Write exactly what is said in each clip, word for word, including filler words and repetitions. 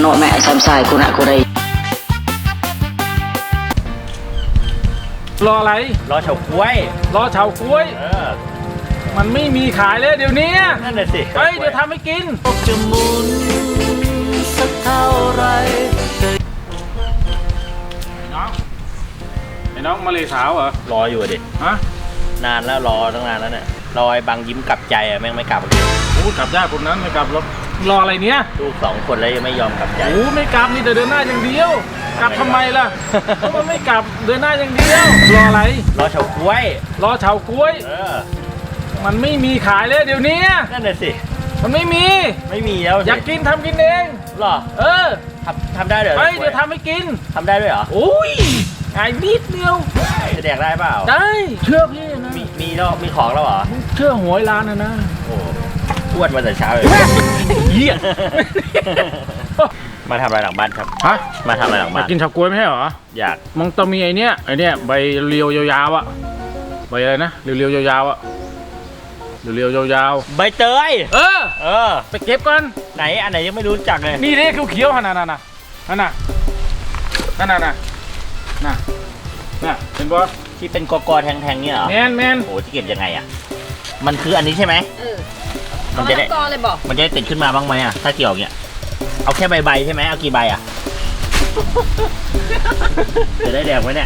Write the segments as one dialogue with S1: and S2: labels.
S1: โนแม่สามสายกูนะกูได้
S2: รออะไร
S3: รอเฉาก๊วย
S2: รอเฉาก๊วย
S3: เออ
S2: มันไม่มีขายเลยเดี๋ยวนี้
S3: นั่นแหละสิ
S2: เฮ้ยเดี๋ยวทำให้กิน
S1: จะหมุนสักเท่าไร
S2: น้องไอ้น้องมาเลยสาวเหรอ
S3: รออยู่ดิ
S2: ฮะ
S3: นานแล้วรอตั้งนานแล้วเนี่ยรอไอ้บางยิ้มกลับใจอ่ะแม่งไม่กลับ
S2: โอ้กลับยากคนนั้นไม่กลับรถรออะไรเนี้ย
S3: ลูกสองคนแล้วยังไม่ยอมกลับใจ
S2: โอ้ไม่กลับนี่แต่เดินหน้าอย่างเดียวกลับทำไมล่ะเพราะมันไม่กลับเดินหน้าอย่างเดียวรออะไร
S3: รอเฉาก๊วย
S2: รอเฉาก๊วย
S3: เออ
S2: มันไม่มีขายเลยเดี๋ยวนี้
S3: นั่นแหละสิ
S2: มันไม่มี
S3: ไม่มีแล้ว
S2: อยากกินทำกินเอง
S3: หรอ
S2: เออ
S3: ทำทำได้เหรอ
S2: เฮ้ยเดี๋ยวทำให้กิน
S3: ทำได้ด้วยเหรอ
S2: โอ้ยง่ายนิดเดียว
S3: จะแดกได้เปล่า
S2: ได้เชื่อพี่นะ
S3: มีมีแล้วมีของแล้วเหรอ
S2: เชื่อหวยร้านนะนะ
S3: โอ้อ้วนมาแต่เช้าเลย
S2: เยี่ย
S3: มาทำอะไรหลังบ้านครับ
S2: ฮะ
S3: มาทำอะไรหลังบ้าน
S2: กินเฉาก๊วยไม่ใช่เหรอ
S3: อยาก
S2: มันต้องมีไอเนี้ยไอเนี้ยใบเรียวยาวๆอ่ะใบอะไรนะเรียวๆยาวๆอ่ะเรียวๆยาว
S3: ๆใบเตย
S2: เออ
S3: เออ
S2: ไปเก็บก่อน
S3: ไหนอันไหนยังไม่รู้จักเลย
S2: นี่นี่เขียวๆขนาดนั้นน่ะนั่นน่ะนั่นน่ะน่ะน่ะน่ะเห็นป่ะ
S3: ที่เป็นกอๆแทงๆเนี่ยเหรอ
S2: แมนแมน
S3: โอ้ที่เก็บยังไงอ่ะมันคืออันนี้ใช่ไหม
S4: เออ
S3: มันจะได้
S4: เลยบอก
S3: มันจะได้ติดขึ้นมาบ้างไหมอ่ะถ้าเกี่ยวเนี่ยเอาแค่ใบใบใช่ไหมเอากี่ใบอ่ะจะได้แดงไหมเนี่ย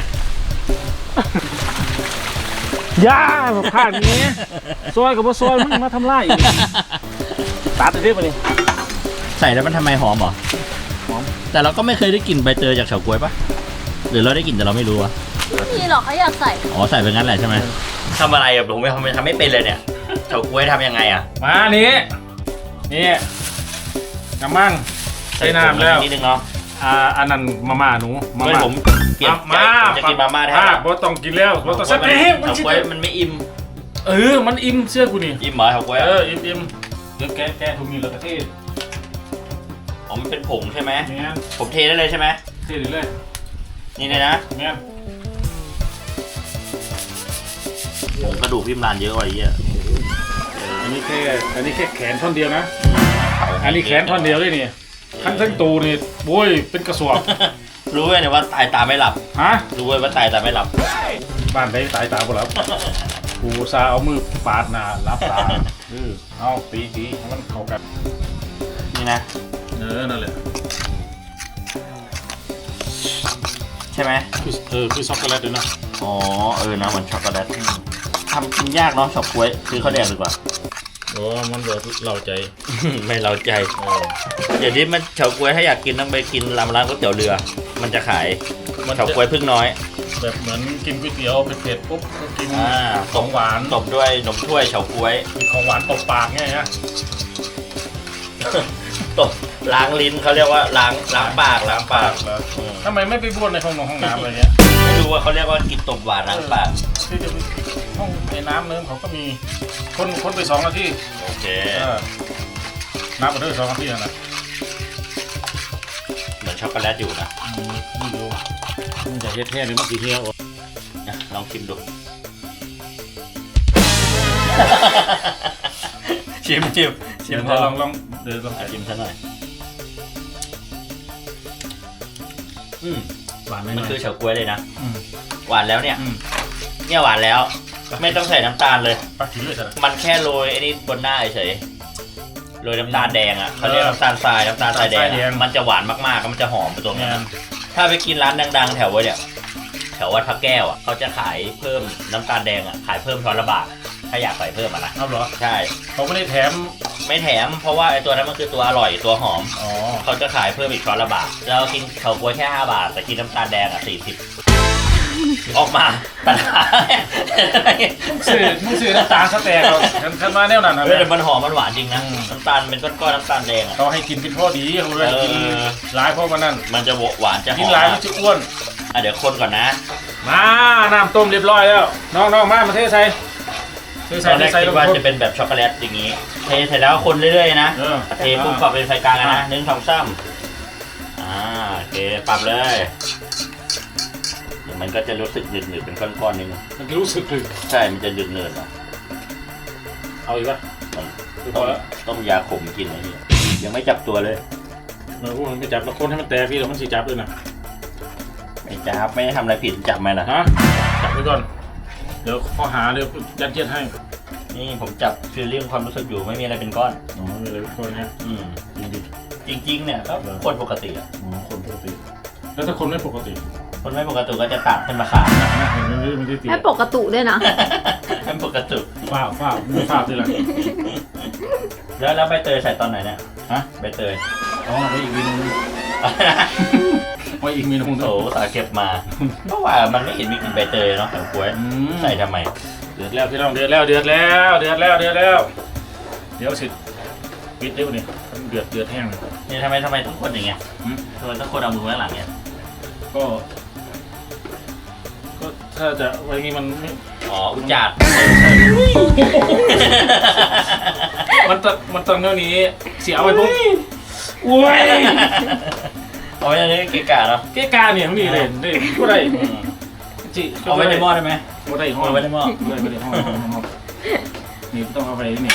S2: ย่าผ่านนี้ซอยกับว่าซอยมึงมาทำไรตัดไปดิมาดิ
S3: ใส่แล้วมันทำไมหอมเหรอหอมแต่เราก็ไม่เคยได้กลิ่นใบเตยจากเฉาก๊วยปะหรือเราได้กลิ่นแต่เราไม่รู้อะ
S4: ไม่มีหรอกเขาอยากใส่
S3: อ๋อใส่ไปงั้นแหละใช่ไหมทำอะไรอะผมไม่ทำทำไม่เป็นเลยเนี่ยเฉาก๊วยทำยังไงอะ
S2: มานี้นี่น้ำมั่งใส่น้ำแล้ว
S3: นิดนึงเนาะ
S2: อ่าอันนั้นมาม่าหนู
S3: มาม่าผมเปลี่ยนใจจะกินมาม่าแทน
S2: บอต้องกินแล้วบอต้องใส่เ
S3: ต็มเฉาก๊วยมันไม่อิ่ม
S2: เออมันอิ่มเชื่อกูนี่
S3: อิ่มเหรอเฉาก๊วย
S2: เอออิ่มอิ่มเดี๋ยวแกะแกะทุกมีแล้วก็เท
S3: อ๋อมันเป็นผงใช่ไหม
S2: เนี่ย
S3: ผมเทได้เลยใช่ไหม
S2: เทได้เลย
S3: นี่เลยนะ
S2: เนี่ย
S3: ผงกระดูกพิมพ์ลานเยอะกว่าไอ้เหี้ย
S2: อันนี้แค่อันนี้แค่แขนท่อนเดียวนะอันนี้แขนท่อนเดียวเลยนี่ทั้งทั้งตูนี่โว้ยเป็นกระสอบ
S3: รู้ไหมเนี่ยว่าตายตาไม่หลับ
S2: ฮะ
S3: รู้ไหมว่าตายตาไม่หลับ
S2: บ้านไหนตายตาบ่หลับกูซาเอามือปาดหน้ารับตาเออเอาตีตีให้มันเข้ากัน
S3: นี่นะ
S2: เออนั่นแหละ
S3: ใช่ไหม
S2: เออคือช็อกโกแลตด้วยนะ
S3: อ๋อเออนะเหมือนช็อกโกแลตทำกินยากเนาะเฉาก๊วยคือเขาแดกดีกว่า
S2: โอ้มันเดือดเราใจ
S3: ไม่เราใจเดี๋ยวนี้มันเฉาก๊วยถ้าอยากกินต้องไปกินร้านร้านก๋วยเตี๋ยวเรือมันจะขายเฉาก๊วยพึ่งน้อย
S2: แบบเหมือนกินก๋วยเตี๋ยวเผ็ดๆปุ๊บก็กิน
S3: ของหวานตบด้วยนมถ้วยเฉาก๊วย
S2: ของหวานตบปากไงฮะ
S3: ตบล้างลิ้นเขาเรียกว่าล้างล้างปากล้างปาก
S2: ทำไมไม่ไปบ้วนในห้องนอนห้องน้ำอะไรเงี้ย
S3: ไม่รู้ว่าเขาเรียกว่ากินตบหวานล้างปาก
S2: ที่จะห้องในน้ำเนื้อเขาก็มีคนคนไปสองนาที
S3: โอเค
S2: น้ำไปด้วยสองนาทีนะ
S3: เหมือนช็อกโกแลตอยู่นะ
S2: ไม่รู้มันจะเฮ็ดแท้หรือมันกี่เที่ยว
S3: ลองชิมดูชิมชิมชิม
S2: ลองลองเดี๋ยวลอง
S3: ชิมซะหน่อยอืม
S2: หวานไหม
S3: มันคือเฉาก๊วยเลยนะหวานแล้วเนี่ยเนี่ยหวานแล้วไม่ต้องใส่น้ำตาลเลยมันแค่โรยไอ้นี่บนหน้าเฉยโรยน้ำตาลแดงอ่ะเขาเรียกน้ำตาลทรายน้ำตาลทรายแดงมันจะหวานมากๆมันจะหอมไปตรงนี้ถ้าไปกินร้านดังๆแถวไว้เนี่ยแถววัดพระแก้วอ่ะเขาจะขายเพิ่มน้ำตาลแดงอ่ะขายเพิ่มช้อนละบาทถ้าอยากใส่เพิ่มอ่ะนะ
S2: เอาเหรอ
S3: ใช่
S2: เขาไม่ได้แถม
S3: ไม่แถมเพราะว่าไอ้ตัวนั้นมันคือตัวอร่อยตัวหอม
S2: อ๋อ
S3: เขาจะขายเพิ่มอีกช้อนละบาทเรากินเฉาก๊วยแค่ห้าบาทแต่กินน้ำตาลแดงอ่ะสี่สิบออกมาปัญหา
S2: มึงซื้อมึงซื้อน้ำตาลสแต็กเราฉันมาแนวนั้นนะ
S3: แต่มันหอมมันหวานจริงนะน้ำตาลเป็นก้อนๆน้ำตาลแดงอ่ะ
S2: เราให้กินเป็นพอดีเขาเลยกินหลายเพราะมันนั่น
S3: มันจะหวานจะหอม
S2: กินหลายมันจะอ้วน
S3: อ่ะเดี๋ยวคนก่อนนะ
S2: มาน้ำต้มเรียบร้อยแล้วน้องๆมามาเทใส่
S3: ตอนแรกคิดว่าจะเป็นแบบช็อกโกแลตอย่างนี้เทเสร็จแล้วคนเรื่อยๆนะเทปุ๊บปรับเป็นไฟกลางนะหนึ่งสองสามอ่าโอเคปรับเลยมันก็จะรู้สึกหนืดๆเป็นก้อนๆนึง
S2: มันรู้สึกหนืด
S3: ใช่มันจะหนืดๆเนาะ
S2: เอาอีกป่ะ
S3: ต้องต้องยาขมกินอะไรนี่ยังไม่จับตัวเลย
S2: เออมันไม่จับละคนให้มันแตกพี่แล้วมันสิจับด้วยนะ
S3: ไม่จับไม่ได้ทำอะไรผิดจับไหมล่ะ
S2: ฮะจับไว้ก่อนเดี๋ยวข้อหาเดี๋ยวยัดเยียดให้
S3: นี่ผมจับฟีลลิ่งความรู้สึกอยู่ไม่มีอะไรเป็นก้อน
S2: อ๋อมีอะไรเป็นคนเนี้ย
S3: อืม
S2: จริงดิ
S3: จริงๆเนี่ยก็คนปกติอะ
S2: อ๋อคนปกติแล้วถ้าคนไม่ปกติ
S3: คนไม่ปกติก็จะตัดขึ้นมาขา
S2: นะนะเห็นมันไม่ได้ตี
S4: ให้ปกติด้วยนะ
S3: ไม่ปกติ
S2: ฝ้าฝ้าไม่ฝ้าด้วยแหละ
S3: แล้วแล้วใบเตยใส่ตอนไหนเนี่ย
S2: ฮะ
S3: ใบเตย
S2: อ๋อไว้อีกเมนูนึงไว้อีกเมนูนึง
S3: โถสาเก็บมาเพราะว่ามันไม่เห็นมีกลิ่นใบเตยเนาะแถวกล้วย
S2: อืม
S3: ใส่ทำไม
S2: เดือดแล้วพี่น้องเดือดแล้วเดือดแล้วเดือดแล้วเดือดแล้วเดี๋ยวสิปิดได้ปะเนี่ยเดือดเดือดแห้งเลย
S3: นี่ทำไมทำไมต้องคนอย่างเงี้ย
S2: อืม
S3: ทำไมต้องคนเอามือไว้ข้างหลังเนี่ย
S2: ก็ ก็ถ้าจะไว้งี้มันไม่
S3: อ๋ออุจจาด
S2: มันตมันตอนเท่านี้เสียเอาไปปุ๊บอุ้ย
S3: เอาไว้ในนี้เกะกะเนาะ
S2: เก้กาเนี่ยมันนี่เลยนี่ก็ได้
S3: อืม
S2: จิ
S3: เอาไว้ในหม้อได้ไหม
S2: ก็ได้ห้อง
S3: เอาไว้ในหม้อ
S2: ได้ไปในห้องห้องนี่ต้องเอาไปนี่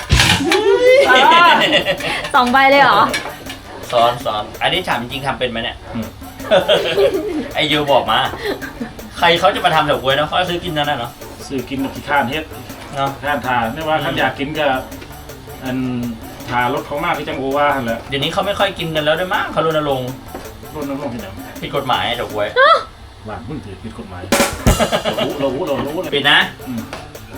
S4: สองใบเลยเหรอ
S3: ซ้อนซ้อนอันนี้ถามจริงๆทำเป็นไหมเนี่ย
S2: อืม
S3: ไอยูบอกมา ใครเขาจะมาทำแถวกล้วยเนาะเขาซื้อกินนั่นน่ะเนาะ
S2: ซื้อกินกับขี้ข้านเฮ็ด
S3: เนาะ
S2: ข้านทานไม่ว่าท่านอยากกินก็อันทารสเขามากที่จังโอว่าหั่นแหละ
S3: เดี๋ยวนี้เขาไม่ค่อยกินกันแล้วด้วยมั้งเขารณรงค์
S2: รสน้ำลงที่ไหน
S3: ผิดกฎหมายแถวกล้วย
S2: ว่ามึงถือผิดกฎหมายเรารู้เรารู้เรารู้เลย
S3: ปิดนะ
S2: อืม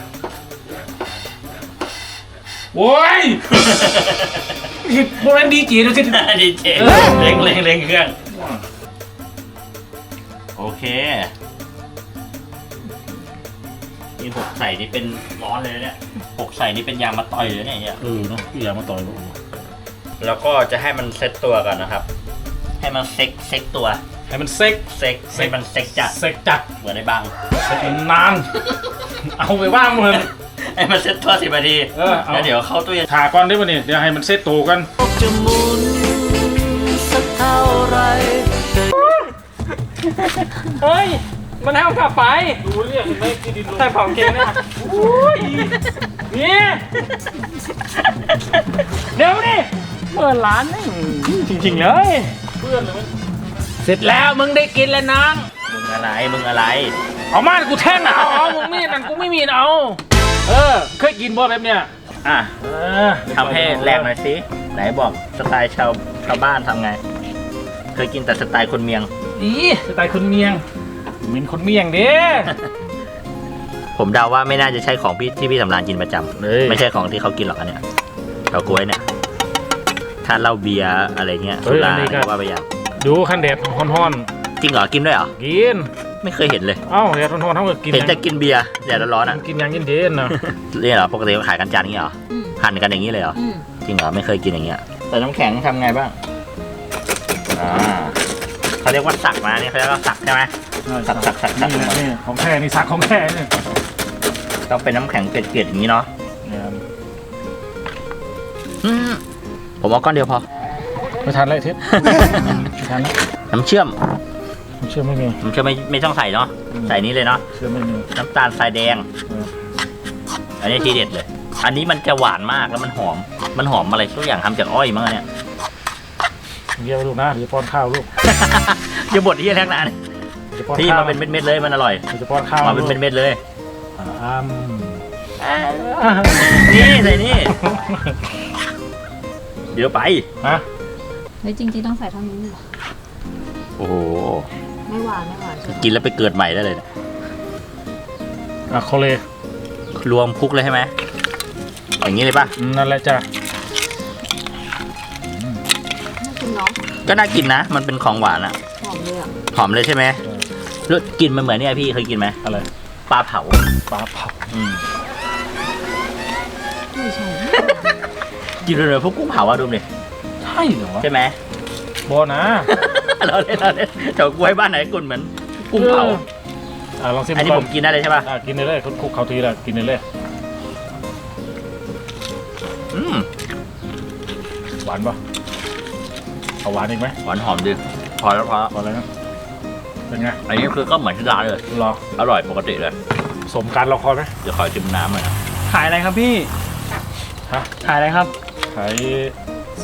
S2: โว้ยผิดโมเมนต์ดีจีนะสิ
S3: ดีเจเร่งเร่งเร่งเครื่องโอเคนี่หกใส่นี่เป็นร้อนเลยเนี่ยหกใส่นี่เป็นยางมาต่อยเลยเนี่ยเนี่ย
S2: เออเนาะพี่อยากมาต่อยกู
S3: แล้วก็จะให้มันเซ็ตตัวก่อนนะครับ ให้มันเซ็กเซ็กตัว
S2: ให้มันเซ็ก
S3: เซ็กให้มันเซ็กจัด
S2: เซ็กจัด
S3: เหมือนในบาง
S2: เซ็กนาน เอาไปว่างมึง
S3: ให้มันเซ็ตตัวสิบนาที
S2: เออเอา
S3: แล้วเดี๋ยวเข้าตู้เย็น
S2: ถ่าก่อนได้ป่ะเนี่ยเดี๋ยวให้มันเซ็ตตัวกัน
S1: จะหมุนสักเท่าไร
S5: เฮ้ย มันให้เอากลับไป
S2: ดูเรียกเห็นไหมที่ดินลง
S5: ใส่ของเกงเนี่ยอุ้ยนี่เดี๋ยวดิเปิดร้านนี่จริงๆเลย
S2: เพื่อนเลยมั้ย
S5: เสร็จแล้วมึงได้กินแล้วน้อง
S3: มึงอะไรมึงอะไร
S2: เอามากูแท่งเอาเอามึงมีดนั่นกูไม่มีเอาเออเคยกินบ่แบบเนี้ย
S3: อ่ะ
S2: เออ
S3: ทำให้แรกหน่อยสิไหนบอกสไตล์ชาวชาวบ้านทำไง เคยกินแต่สไตล์คนเมียง
S2: อีสไตล์คนเมียงเหม็นคนเมียงเด้
S3: ผมเดาว่าไม่น่าจะใช่ของพี่ที่พี่สำรานกินประจำ
S2: เลย
S3: ไม่ใช่ของที่เขากินหรอกอันเนี้ยเฉาก๊วยเนี่ย ถ้าเหล้าเบียร์อะไรเงี้ยสุราเนี่ยว่าไปอย่าง
S2: ดูขั้นแดดฮ้อน
S3: จริงเหรอกินด้วยเหรอ
S2: ๆกิน
S3: ไม่เคยเห็นเลย
S2: เอ้าแดดฮ้อนๆเท่ากับกิน
S3: เห็นแต่กินเบียร์แดดร้อนๆอ่ะ
S2: กินอย่างเย็นๆนะ
S3: นี่เหรอปกติเขาขายกันจานนี้เหรอ
S4: อืม
S3: หั่นกันอย่างนี้เลยเหรอ
S4: อืม
S3: จริงเหรอไม่เคยกินอย่างเงี้ยแต่น้ำแข็งทำไงบ้างอ่าเขาเรียกว่าสักนะนี่เขาเรียกว่าสักใช่ไหม สักสักสักสัก
S2: นี่แหละนี่ของแท้นี่สักของแท้นี่
S3: ต้องเป็นน้ำแข็งเปียกๆอย่างนี้เนาะ
S2: เนี่ย
S3: อืมผมเอาก้อนเดียวพอ
S2: ไม่ทันเลยทิศไม่ทันแล้ว
S3: น้ำเชื่อม
S2: ผมเชื่อไม่มี
S3: น้ำเชื่อมไม่ไม่ต้องใส่เนาะ
S2: อืม
S3: ใส่นี้เลยเนาะ
S2: เชื่อไม่มี
S3: น้ำตาลทรายแดง
S2: เออ
S3: อันนี้ทีเด็ดเลย อันนี้มันจะหวานมากแล้วมันหอม มันหอมอะไรทุกอย่างทำจากอ้อยมั้งอันเนี่ย
S2: เดี๋ยวลูกนะเดี๋ยวป้อนข้าวลูก
S3: อย่าบดที่แรกนะ
S2: เดี๋ยวป้อน
S3: ที่
S2: ข้าว
S3: มาเป็นเม็ดๆเลยมันอร่อย
S2: เดี๋ยวจะป้อนข้าว
S3: มาเป็นเม็ดๆเลย
S2: อ่าอ้ำ
S3: นี่ใส่นี่ เดี๋ยวไป
S2: ฮะ
S4: เฮ้ยจริงๆต้องใส่เท่านี้เหรอ
S3: โอ้โห
S4: ไม่หวานไม่หวานใช่ไหม
S3: กินแล้วไปเกิดใหม่ได้เลยเนี่ย
S2: อ่ะโคเล
S3: รวมคุกเลยใช่ไหมอย่างนี้เลยป่ะ
S2: อืมนั่นแหละจ้ะ
S4: น่ากินเนาะ
S3: ก็น่ากินนะ มันเป็นของหวานอะ
S4: หอมเลยอ่ะ
S3: หอมเลยใช่ไหมรสกลินมันเหมือนเนี่ยพี่เคยกินไหม
S2: อะไร
S3: ปลาเผา
S2: ปลาเผา
S3: อืม
S4: ไม่ใช่
S3: กินเลยๆพวกกุ้งเผาอะดูดิ
S2: ใช่เหรอ
S3: ใช่ไหม
S2: บอนะ
S3: เราเล่นเราเล่นแถวกล้วยบ้านไหนกุ่นเหมือนกุ้งเผา
S2: อ่ะลองชิม
S3: อันนี้
S2: ก่
S3: ผมกินได้เลยใช่ป่ะ
S2: อ่ะกินได้เลยคุกเขาทีละกินได้เลย
S3: อืม
S2: หวานปะเอาหวานอีกไหม
S3: หวานหอมดีพอแล้วพอแล้ว
S2: พอแล้วนะเป็นไง
S3: อันนี้คือก็เหมือนที่ร้านเลย
S2: รอ
S3: อร่อยปกติเลย
S2: สมการรอคอยไหม
S3: เดี๋ยวขอชิมน้ำหน่อยนะ
S5: ขายอะไรครับพี่
S2: ฮะ
S5: ขายอะไรครับ
S2: ขาย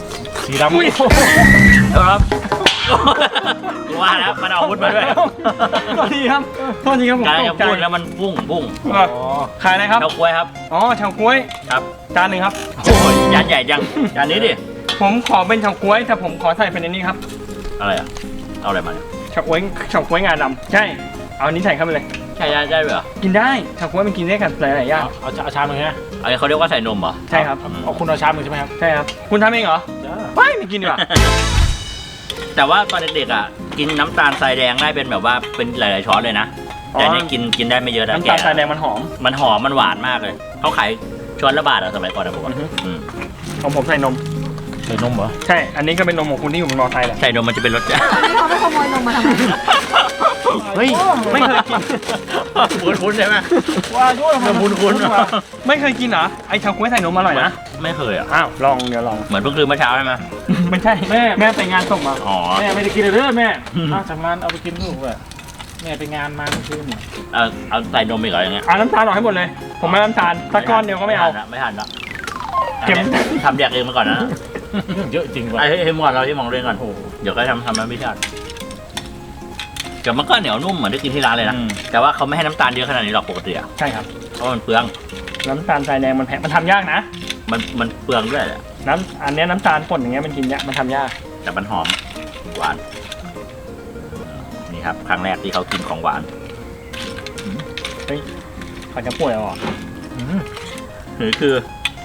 S2: สีดำ
S5: อุ้ย
S3: ครับว่าแล้วมันเอาอาวุธมาด้วย
S5: โทษทีครับโทษทีครับผม
S3: การ
S5: ต
S3: จะ
S5: กใจ
S3: พูดแล้วมันพุ่งพุ่ง
S5: อ่ะขายอะไรครับ
S3: เฉาก๊วยครับ
S5: อ๋อเฉาก๊วย
S3: ครับ
S5: จานหนึ่งครับ
S3: โอ้ยจานใหญ่จังจานนี้ดิ
S5: ผมขอเป็นเฉาก๊วยแต่ผมขอใส่เป็นอันนี้ครับ
S3: อะไรอ่ะเอาอะไรมาเนี่ย
S5: เฉาก๊วยเฉาก๊วยงาดำใช่เอาอันนี้ใส่เข้าไปเลย
S3: ใช่ได้ได้เหรอ
S5: กินได้เฉาก๊วยมันกินได้กับหลายๆอย่าง
S2: เอาเอาชามหนึ่งนะ
S3: อะไรเขาเรียกว่าใส่นมเหรอ
S5: ใช่ครับ
S2: เอาคุณเอาชามหนึ่งใช่ไหมครับ
S5: ใช่ครับคุณทำเองเหรอไม่ไม่กินดีกว่า
S3: แต่ว่าตอนเด็กๆอ่ะกินน้ำตาลทรายแดงได้เป็นแบบว่าเป็นหลายๆช้อนเลยนะแต่อันนี่กินกินได้ไม่เยอะนะ
S5: น้ำ
S3: แก
S5: ตาลทรายแดงมันหอม
S3: มันหอมมันหวานมากเลยเขาขายช้อนละบาทอะสมัยก่อนนะผมว่า
S5: อือฮึ
S3: อืม
S5: ของผมใส่นม
S2: ใส่นมเหรอ
S5: ใช่ อันนี้ก็เป็นนมของคุณที่อยู่บนมอไซค์แหละ
S3: ใส่นมมันจะเป็นรส
S4: อันนี้เขาไม่ขโมยนมมาทำไม
S5: เฮ้ยไม่เคยกิน
S3: คุ้นๆใช่ไหม
S5: ว่าด้วย
S3: เริ่มคุ้นๆ
S5: ไม่เคยกินเหรอไอเฉาก๊วยใส่นมอร่อยนะ
S3: ไม่เคยอ่ะ
S5: อ้าวลองเดี๋ยวลอง
S3: เหมือนเพิ่งคืนเมื่อเช้าใช่ไหม
S5: ไม่ใช่แม่แม่ไปงานศพมา
S3: อ๋อ
S2: แม่ไม่ได้กินเลยเด้อแม่ถ้าจากงานเอาไปกินลูกอะแม่ไปงานมาเมื่อคืน
S3: เอาเอาใส่นมอีกเหรออย่างเงี้ย
S5: เอาน้ำตาลออกให้หมดเลย ผมไม่น้ำตาลสักก้อนเดียวก็ไม่เอา
S3: ทันละไม่ทันละ
S5: เก็บ
S3: ทำแยกเองมาก่อนนะ
S2: เรื่องเยอะจริงว่ะ
S3: ไอ้ให้หมดเราที่มองเรื่องก่อนเดี๋ยวก็ทำทำมันไม่ชัดเดี๋ยวมันก็เหนียวนุ่มเหมือนที่กินที่ร้านเลยนะ
S5: อืม
S3: แต่ว่าเขาไม่ให้น้ำตาลเยอะขนาดนี้หรอกปกติอ่ะ
S5: ใช่ครับ
S3: เพราะมันเปลือง
S5: น้ำตาลทรายแดงมันแพงมันทำยากนะ
S3: มันมันเปลืองด้วยแหละ
S5: น้ำอันเนี้ยน้ำตาลป่นอย่างเงี้ยมันกินยากมันทำยาก
S3: แต่มันหอมหวานนี่ครับครั้งแรกที่เขากินของหวาน
S5: เฮ้ยเขาจะป่วยเหรอ
S3: หรือคือ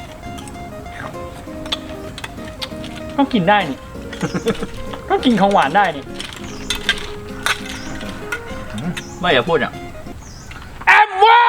S5: ก็กินได้นี่ ก็กินของหวานได้นี่
S3: ไม่อย่าพูดอ่ะ
S5: แอมไว้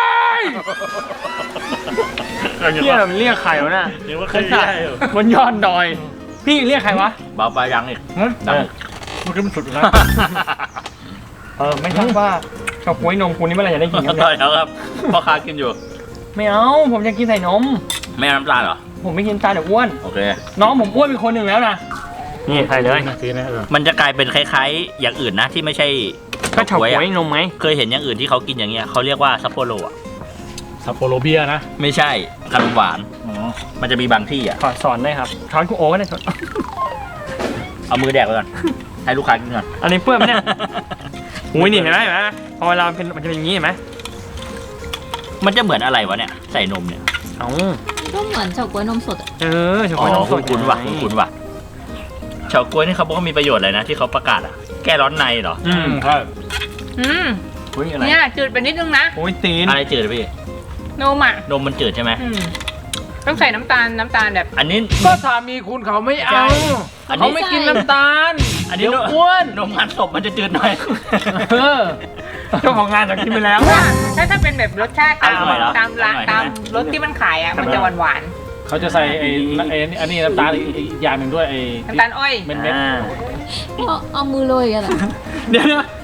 S5: เรียกมันเรียกใครวะน่ะ
S2: เดี๋ยวว่าเค
S5: ไอ้
S2: ย
S5: สัต
S2: ได้
S5: ว์
S2: อยู่
S5: บนยอดดอย พี่เรียกใครวะ
S3: เบาไปยังอีก
S5: ฮะ
S3: ดัง
S2: มันคือมันสุดนะ
S5: เออไม่ทราบว่าเฉาก๊วยนมคุณนี่เมื่อไหร่จะได้กินครับ
S3: ต่
S5: เนี่
S3: อย ยแล้วครับพ่อค้ากินอยู่
S5: ไม่เอาผมจะกินใส่นม
S3: ไม่เอาน้ำตาลเหรอ
S5: ผมไม่กินตาลเดี๋ยวอ้วน
S3: โอเค
S5: น้องผมอ้วนเป็นคนหนึ่งแล้วนะนี่ใส่เลย
S2: ทีนะเออ
S3: มันจะกลายเป็นคล้ายๆ อย่างอื่นนะที่ไม่ใช่
S5: ก็เฉาก๊วย
S3: อะ
S5: นมไหม
S3: เคยเห็นอย่างอื่นที่เขากินอย่างเงี้ยเขาเรียกว่าซัปโปโรอ่ะ
S2: ซัปโปโรเบียร์นะ
S3: ไม่ใช่ขนมหวาน
S2: อ๋อ
S3: มันจะมีบางที่อ่ะ
S5: ขอสอนได้ครับช้อนกูโอ้ก็ได้ช้อน
S3: เอามือแดกไปก่อนให้ลูกค้ากินก่อน
S5: อันนี้เปื้อนไหมเนี่ยอุ้ยนี่เห็นไหมเห็นไหมพอเวลาเป็นมันจะเป็นอย่างนี้เห็นไหม
S3: มันจะเหมือนอะไรวะเนี่ยใส่นมเนี่ย
S5: เอ้า
S4: ก็เหมือนเฉาก๊วยนมสดอะ
S5: เออเฉา
S3: อ๋
S5: ก๊วยน
S3: อ
S5: มสด
S3: คุ้นๆว่ะคุ้นๆว่ะเฉาก๊วยนี่เขาบอกว่ามีประโยชน์อะไรนะที่เขาประกาศอ่ะแก้ร้อนในเหรอ
S5: อืม
S2: ใช่
S6: อืม
S3: อุ้ยอะไร
S6: เนี่ยจืดไปนิดนึงนะ
S5: โอ้ยตีน
S3: อะไรจืดอะพี่
S6: นมอ่ะ
S3: นมมันจืดใช่ไหม
S6: อืมต้องใส่น้ำตาลน้ำตาลแบบ
S3: อันนี้
S2: ก็สามีคุณเขาไม่เอา
S3: อันนี้
S2: เขาไม่กินน้ำตาล
S3: อันนี้
S2: เดี๋ยวอ้วน
S3: นมงานศพมันจะจืดหน่อย
S2: เออ
S5: เจ้าของงานจะกินไปแล้ว
S6: ถ้าถ้าถ้าเป็นแบบรสชาติตาม
S3: อร่อยเหรอ
S6: ตามร้าน
S3: อร่อย
S6: ตาม
S3: ใช่ไหม
S6: รสที่มันขายอ่ะมันจะหวานหวาน
S2: เขาจะใส่ไอ้ไอ้อันนี้น้ำตาลอีกอีกอย่างหนึ่งด้วยไอ้
S6: ๆน้ำตาลอ้อย
S2: เม็ดเม็ด
S5: อ่า
S4: เอาเอามือโรยกันอะ
S5: เดี๋ยวนะ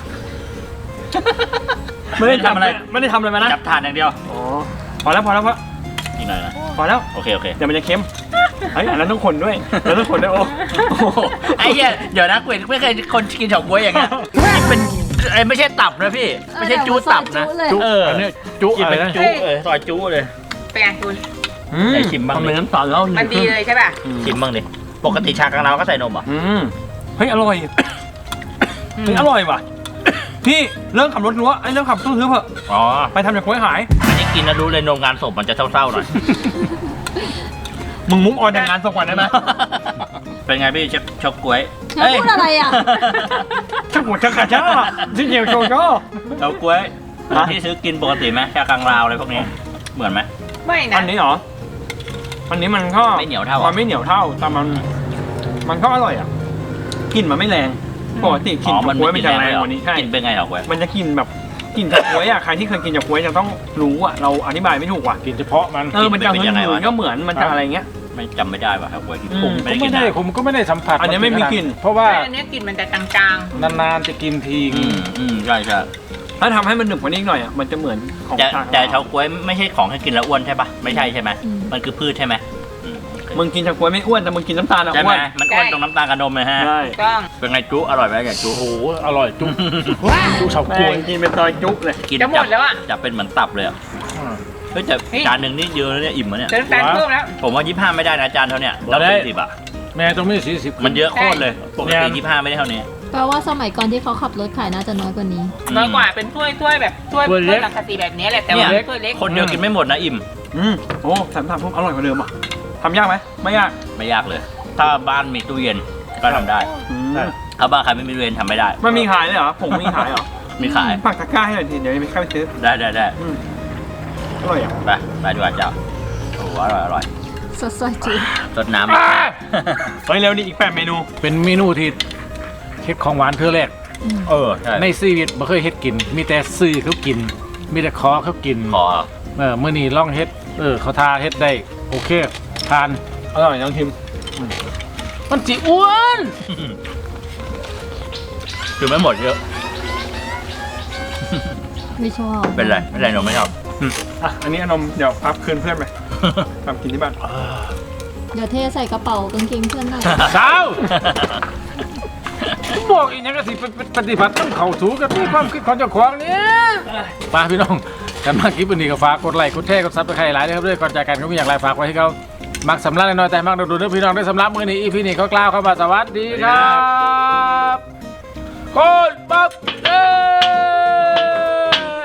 S5: ไม่ได้ทำอะไรไม่ได้ทำอะไรมานะ
S3: จับทานอย่างเดียว
S5: อ๋อพอแล้วพอแล้วพอ
S3: อีกหน่อยนะ
S5: พอแล้ว
S3: โอเคโอเค
S5: เดี๋ยวมันจะเค็มเฮ้ยอันนั้นต้องคนด้วยแล้วต้องคนด้วยโอ้
S3: โอ้โหไอ้เหี้ยเดี๋ยวนะกูเห็นไม่เคยคนกินเฉาก๊วยอย่างเงี้ยเป็นไอ้ไม่ใช่ตับนะพี่ ไม่ใช่จูตับนะ
S4: เออเดี๋ยว
S3: เออ
S2: อันนี้จุ
S3: กิน
S2: อะไร
S3: เป็น
S2: นะ
S3: จูเออซอยจูเลย
S6: เป็นไงคุณ
S3: ได้ชิมบ้างดิ
S5: ทำเป็นน้ำตาลแล้ว
S6: มันดีเลยใช่ป่ะ
S3: ชิมบ้างดิปกติชากังลาวก็ใส่นมเหรอ่ะ
S5: อืมเฮ้ยอร่อยเฮ้ยอร่อยว่ะพี่เริ่มขับรถรั้วไอ้เริ่มขับตู้ทึบเถอะ
S3: อ๋อ
S5: ไปทำจากกล้วยขาย
S3: อันนี้กินแล้วรู้เลยนมงานศพมันจะเศร้าๆหน่อย
S5: มึงมุ้งออนแต่งงานสักวันได้ไหม
S3: เป็นไงพี่เชฟชอบกล้วย
S4: เธอพูดอะไรอ่ะ
S5: ชักหัวชักกระชากที่เดียวโชว์ก็
S3: เฉาก๊วย
S5: ฮะ
S3: ที่ซื้อกินปกติไหมชากังลาวอะไรพวกนี้เหมือนไหม
S6: ไม่นะ
S5: อันนี้เหรออันนี้มันก็
S3: ไม่เหนียวเท่าอ่ะ
S5: มันไม่เหนียวเท่าแต่มัน มันก็อร่อยอ่ะกลิ่นมันไม่แรงปกติกลิ่น
S3: อ๋อ
S5: จากกล้วยมันจะแรงกว่านี้ใช่
S3: กินเป็นไงเหรอกล้วย
S5: มันจะกลิ่นแบบกลิ่นจากกล้วยอ่ะใครที่เคยกินจากกล้วยจะต้องรู้อ่ะเราอธิบายไม่ถูกว่ะ
S2: กินเฉพาะมัน
S5: เออมันจะหืนๆก็เหมือนมันจะอะไรเงี้ย
S3: ไม่จำไม่ได้ว่ะครับกล้วยที่
S5: อืม
S3: ผม
S2: ก็
S3: ไม่ได้กิ
S2: ไม่
S3: น
S2: ได้
S3: นะ
S2: ผมก็ไม่ได้สัมผัส
S5: อันนี้ไม่มีกลิ่น
S2: เพราะว่า
S6: แต่อันเนี้ยกลิ่นมันจะจาง
S2: นานๆจะกินที
S3: อืมอืมใช่ใช่
S5: ถ้าทำให้มันหนึบกว่านี้อีกหน่อยอ่ะมันจะเหมือนของ
S3: แต่
S5: ชา
S3: แต่เฉาก๊วยไม่ใช่ของให้กินแล้วอ้วนใช่ปะไม่ใช่ใช่ไหม
S4: อืม
S3: มันคือพืชใช่ไหมอืม
S5: มึงกินชากล้วยไม่อ้วนแต่มึงกินน้ำตาลอ่ะ
S3: ใช่
S5: อ้
S3: ไหม
S5: วน
S3: มันอ้วนตรงน้ำตาลกับนมเลยฮะ
S5: ใช่
S6: ๆต้อง
S3: เป็นไงจุอร่อยไหมอย่างจุ
S2: โอ้โหอร่อยจุ๊บจุ๊บเฉา
S5: แม่
S2: ก๊วย
S5: งกินเป็นซอยจุ๊บเลย
S3: กิน
S6: จะหมดแล้วอ่ะ
S3: จะเป็นเหมือนตับเลยอ่ะเฮ้ยแต่
S6: เฮ้ย
S3: จานหนึ่งนี่เยอะแล้วเนี่ยอิ่มแล้วเนี่ย
S6: เติมน้ำตาลเพิ่มแล้ว
S3: ผมว่ายี่ห้าไม่ได้นะจานเท่าเนี่ยต้องเป็นสิบอ่ะ
S2: แม่ต้องมีสี่สิบ
S3: มันเยอะโคตรเลยปกติยี่ห้าไม่ได้เท่านี้
S4: แปลว่าสมัยก่อนที่เขาขับรถขายน่าจะน้อยกว่านี้
S6: น้อยกว่าเป็นถ้วยถ้วยแบบถ้วยถ้วยสังกะสีแบบนี้แหละแต่ว่า
S3: เนี่ย
S6: ถ้วยเล็ก
S3: คนเดียวกินไม่หมดนะอิ่ม
S5: อืมโอ้สามสามพุ่มอร่อยกว่าเดิมอ่ะทำยากไหมไม่ยาก
S3: ไม่ยากเลย ถ้าบ้านมีตู้เย็นก็ทำได้
S5: อืม
S3: ถ้าบ้านใครไม่มีตู้เย็นทำไม่ได้
S5: มันมีขายเลยเหรอผงมีขายเหรอ
S3: มีขาย
S5: ปักตะกร้าให้หน่อยทีเดี๋ยวไปเข้าไปซื้อ
S3: ได้ได้ได้
S5: อืมอร่อยอ่ะ
S3: ไปไปดีกว่าเจ้าโอ้โหอร่อยอร่อย
S4: สดใสจี
S3: รดน้ำอีก
S5: เฮ้ยเร็วนี่อีกแปดเมนู
S2: เป็นเมนูที่เฮ็ดของหวานเธอแรก
S3: เออใช่
S2: ในชีวิตบ่เคยเฮ็ดกิน มีแต่ซื้อเขากิน มีแต่ขอเขากิน
S3: ขอ
S2: เออมื้อนี้ลองเฮ็ดเออเขาทาเฮ็ดได้โอเคทาน
S5: อร่อยน้องทิม
S2: มันจิอ้วน
S3: คือไม่หมดเยอะ
S4: ไม่ชอบ
S3: เป็นไรไม่เป็นไรหนูไม่ชอบ
S5: อ่ะอันนี้อนมเดี๋ยวพับคืนเพื่อนไปทำกินที่บ้าน
S4: เดี๋ยวเทใส่กระเป๋ากางเกงเพื่อนหน่อย
S2: สาวบอกอีกอย่างก็สิปฏิบัติต้องเข้าสู่กับที่ความคิดของเจ้าของเนี่ยไปพี่น้องกันมาคลิปวันนี้ก็ฝากกดไลค์กดแชร์กดซับสไครต์หลายนะครับด้วยก่อนจากกันก็มีอย่างไรฝากไว้ให้เขามักสำลักน้อยแต่มักดูดๆพี่น้องได้สำลักมือนี้อีพีนี้เขากล่าวเข้ามาสวัสดีครับโคตรปั๊บเอ้